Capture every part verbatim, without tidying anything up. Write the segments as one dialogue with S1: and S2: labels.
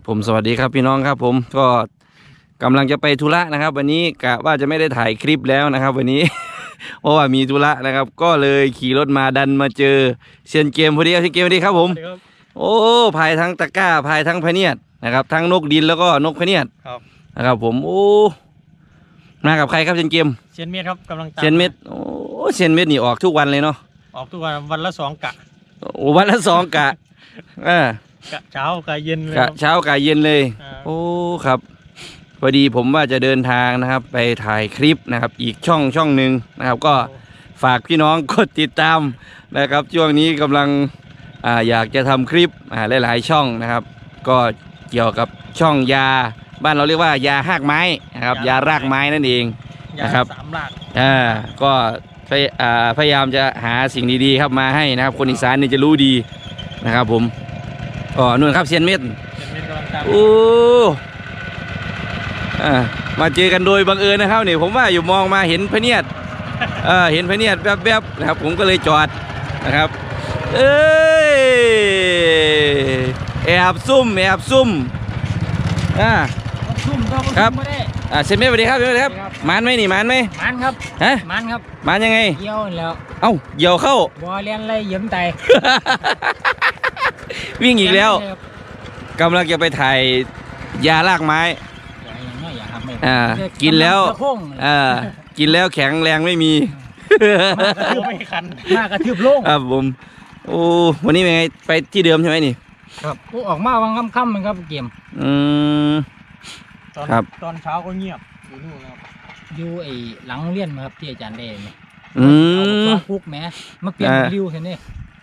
S1: ผมสวัสดีครับพี่น้องครับผมก็กำลังจะไปธุระนะครับวันนี้กะว่าจะไม่ได้ถ่ายคลิปแล้วนะครับวันนี้ เพราะว่ามีธุระนะครับก็เลยขี่รถมาดันมาเจอเซียนเกมพอดีครับเซียนเกมพอดีครับผมโอ้พายทั้งตะกร้าพายทั้งพะเนียดนะครับทั้งนกดินแล้วก็นกพะเนียดนะครับผมโอ้มากับใครครับเซียนเกม
S2: เซียนเม็ดครับกำลังตาม
S1: เซียนเม็ดโอ้เซียนเม็ดนี่ออกทุกวันเลยเนาะ
S2: ออกทุกวันวันละสองกะ
S1: โอ้วันละสองกะอ่
S2: ากะเช้ากะเย็นเลย
S1: กะเช้ากะเย็นเลยโอ้ครับพอดีผมว่าจะเดินทางนะครับไปถ่ายคลิปนะครับอีกช่องช่องหนึ่งนะครับก็ฝากพี่น้องกดติดตามนะครับช่วงนี้กำลังอ่าอยากจะทำคลิปอ่าหลายๆช่องนะครับก็เกี่ยวกับช่องยาบ้านเราเรียกว่ายาหากไม้นะครับยารากไม้นั่นเองนะครับ
S2: สามราก
S1: อ่าก็พยายามจะหาสิ่งดีๆครับมาให้นะครับคนอีสานนี่จะรู้ดีนะครับผมอ๋อนู่นครับเซียนเม็ดโอ้อ่ามาเจอกันโดยบังเอิญนะครับนี่ผมว่าอยู่มองมาเห็นพะเนียดเออเห็นพะเนียดแวบๆนะครับผมก็เลยจอดนะครับเอ้ยแอบซุ่มแอบซุ่มอ่า
S2: ซุ่ม
S1: ครับอ่าเซียนเม็ดสวัสดีครับสวัสดีครับมันไหมนี่มันไหม
S2: มันครับ
S1: ฮะ
S2: มันครับ
S1: มันยังไง
S2: เยี่ยวแล้ว
S1: เอ้าเยี่ยวเข้า
S2: บอเลียนเลยเยิ้มใจ
S1: วิ่งอีกแล้วกำลังจะไปถ่ายยารากไม้อ่ากินแล้วอ่ากินแล้วแข็งแรงไม่มี
S2: ไม่คันมากระทืบโล่ง
S1: ครับผมโอ้วันนี้เป็นไงไปที่เดิมใช่ไหมนี่
S2: ครับออกมาวังค่ำๆมันครับเกม
S1: อืมครับ
S2: ตอนเช้าก็เงียบอยู่นู่นครับอยู่ไอ้หลังเรียนมาครับที่อาจารย์ได้ไหม
S1: อืม
S2: คุกแม่มาเปลี่ยนริวเห็นไหม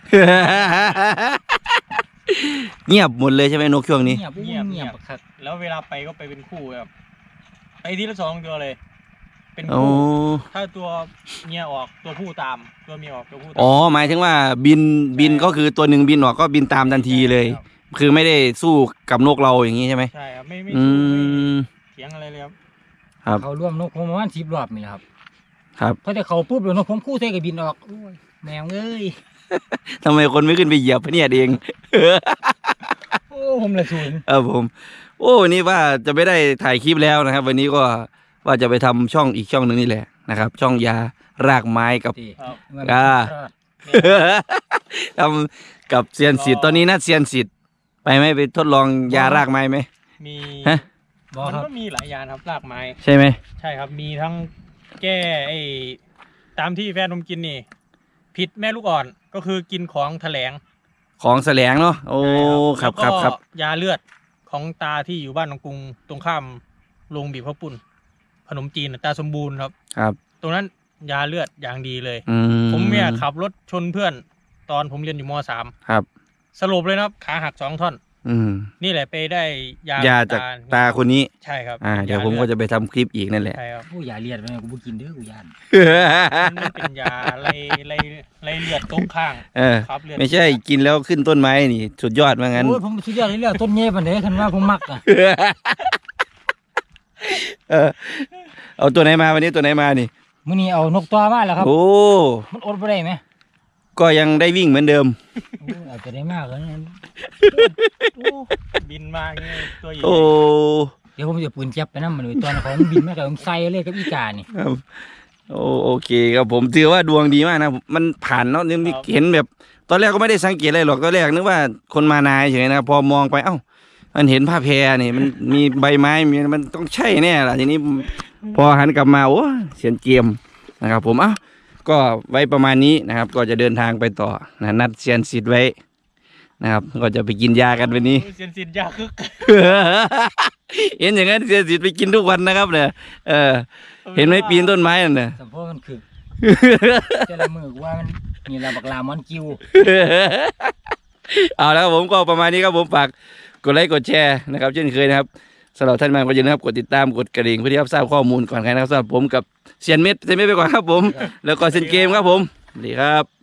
S1: เงียบหมดเลยใช่ไหมนกช่วงนี้
S2: เงียบเงียบเงียบครับแล้วเวลาไปก็ไปเป็นคู่แบบไปทีละสองตัวเลยเป็นคู่ถ้าตัวเมียออกตัวผู้ตามตัวเมียออกตัวผู้ตาม
S1: อ๋อหมายถึงว่าบินบินก็คือตัวหนึ่งบินออกก็บินตามทันทีเลยคือไม่ได้สู้กับนกเราอย่างนี้ใช่ไหม
S2: ใช่ครับไม่ไม่สู้เถียงอะไรเลยครับ
S1: ครับ
S2: เขาร่วมนกผมประมาณสิบรอบนี่ครับ
S1: ครับ
S2: พอแต่เขาปุ๊บเดี๋ยวนกผมคู่ใส่กับบินออกแมวเอ้ย
S1: ทำไมคนไม่ขึ้นไปเหยียบเนี่ยเอง
S2: โอ้ผมเลยศูนย์
S1: เออผมโอ้วันนี้ว่าจะไม่ได้ถ่ายคลิปแล้วนะครับวันนี้ก็ว่าจะไปทำช่องอีกช่องหนึ่งนี่แหละนะครับช่องยารากไม้กับกาทำกับเซียนสิทธิ์ตอนนี้นัดเซียนสิทธิ์ไปไหมไปทดลองยารากไม้ไหม
S2: มี
S1: ฮะ
S2: มันก็มีหลายยาครับรากไม้
S1: ใช่ไหม
S2: ใช่ครับมีทั้งแก้ไอ้ตามที่แฟนผมกินนี่ผิดแม่ลูกอ่อนก็คือกินของแถลง
S1: ของแสลงเนาะโอ้ครับครับครับ
S2: ยาเลือดของตาที่อยู่บ้านตรงกรุงตรงข้ามโรงบีบข้าวปุ้นขนมจีนตาสมบูรณ์ครับ
S1: ครับ
S2: ตรงนั้นยาเลือดอย่างดีเลย
S1: ม
S2: ผมเนี่ยขับรถชนเพื่อนตอนผมเรียนอยู่ม.สาม
S1: ครับ
S2: สรุปเลยนะครับขาหักสองท่อน
S1: อืม
S2: นี่แหละไปได้ย
S1: ายาจากตาคนนี้
S2: ใช่ครับ
S1: อ่าเดี๋ยวผมก็จะไปทำคลิปอีกนั่นแหละ
S2: ใช่ครับผู้ยาเลือดไปกูกินเด้อกูยานมันเป็นยาไรไรไรเลือดตรงข้าง
S1: เออไม่ใช่กินแล้วขึ้นต้นไม้นี่สุดยอดว่างั้น
S2: โอ้ยผมสุดยอดเลยเรื่องต้นเงี้ยปันเด้คันว่าผมมักอ่ะ
S1: เออเอาตัวไหนมาวันนี้ตัวไหนมานี่
S2: มื้อนี้เอานกตัวมาแล้วครับ
S1: โอ้
S2: มันอดบ่ได้ไหม
S1: ก็ยังได้วิ่งเหมือนเดิม
S2: อาจจะได้มากเลยบินมาเงี้ยตัวใหญ่
S1: โอ้
S2: เดี๋ยวผมจะปืนจับไปนั่นมันเลยตัวนั้นของบินมากับผมใส่เลยกับอีกานี่
S1: โอ้โอเคครับผมถือว่าดวงดีมากนะมันผ่านเนาะนี่เห็นแบบตอนแรกก็ไม่ได้สังเกตอะไรหรอกตอนแรกนึกว่าคนมานายเฉยนะพอมองไปเอ้ามันเห็นผ้าแพรนี่มันมีใบไม้มีมันต้องใช่แน่ล่ะทีนี้พอหันกลับมาโอ้เสียนเกมนะครับผมเอ้าก็ไว้ประมาณนี้นะครับก็จะเดินทางไปต่อนะนัดเซียนสิทธิ์ไว้นะครับก็จะไปกินยากันวันนี้
S2: เซียนสิทธิ์ยาคึก
S1: เห็นอย่างนั้นเซียนสิทธิ์ไปกินทุกวันนะครับเนี่ยเออเห็นไหมปีนต้นไม้นั่นน่ะ
S2: สมพมันคือจะละมือว่ามันมีระบักลามอนคิว
S1: เอาแล้วผมก็ประมาณนี้ครับผมฝากกดไลค์กดแชร์นะครับเช่นเคยนะครับสำหรับท่านมาก็อย่าลืมครับกดติดตามกดกระดิ่งเพื่อที่จะทราบข้อมูลก่อนใครนะครับสำหรับผมกับเซียนเม็ดเซียนเม็ดไปก่อนครับผมแล้วก็เซียนเกมครับผมสวัสดีครับ